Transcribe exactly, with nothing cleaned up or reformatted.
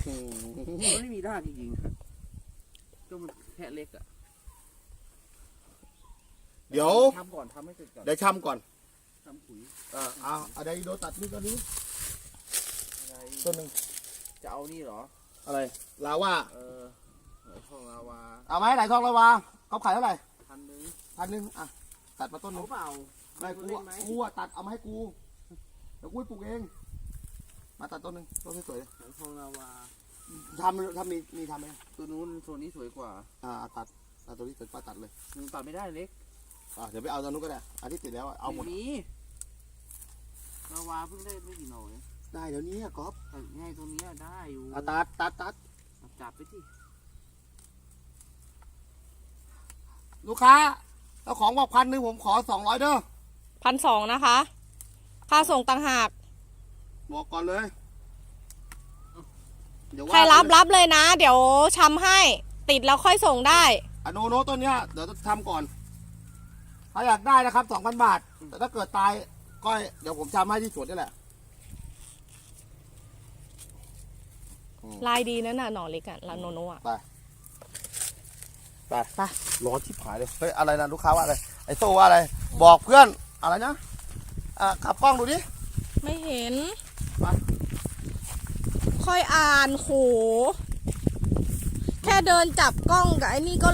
มันไม่มีรากจริงๆก็มันแค่เล็กอะเดี๋ยวทำก่อนทำให้เสร็จก่อนเดี๋ยวชำก่อนทำปุ๋ยอ่าเอาอะไรโดนตัดนี่ตัวนี้อะไรต้นหนึ่งจะเอานี่เหรออะไรลาว่าเออไหลทองลาวาเอาไหมไหลทองลาวาเขาขายเท่าไหร่พันหนึ่งพันหนึ่งอ่ะตัดมาต้นหนึเอางเปล่าไม่กูเล่อะนไหมกูอะตัดเอามาให้กูเดี๋ยวกูไปปลูกเองมาตัดต้นหนึ่งต้นสวยไหลทองลาวาๆทำทำมีมีทำไหมตัวนู้นตัวนี้สวยกว่าอ่าตัดตัดตัวนี้สวยกว่าตัดเลยมันตัดไม่ได้เล็กอ่าเดี๋ยวไปเอาตัวนู้นก็ได้อาทิตย์ติดแล้วอะเอาหมดไมีลาวาเพิ่งได้ไม่กี่หน่อยได้เดี๋ยวนี้อะก๊อฟแต่ง่ายตัวนี้ได้อยู่อ่ะตัดตัดตัดจับไปที่ลูกค้าเจ้าของบอกพันหนึ่งผมขอสองร้อยเด้อพันสองนะคะ ค่าส่งต่างหากบอกก่อนเลยเดี๋ยวว่าใครรับรับเลยนะ เดี๋ยวชำให้ ติดแล้วค่อยส่งได้อะโนโนต้นเนี้ยเดี๋ยวจะทำก่อนถ้าอยากได้นะครับสองพันบาท แต่ถ้าเกิดตายก็เดี๋ยวผมทำให้ที่สวนนี่แหละลายดีนั่นน่ะหน่อเล็กอะลาโนโนอะไปไปไปร้อนชิบหายเลยเฮ้ยอะไรนะลูกค้าว่าอะไรไอโซ่ว่าอะไรบอกเพื่อนอะไรนะอ่ะขับกล้องดูดิไม่เห็นไปค่อยอ่านโห แค่เดินจับกล้องกับไอ้นี่ก็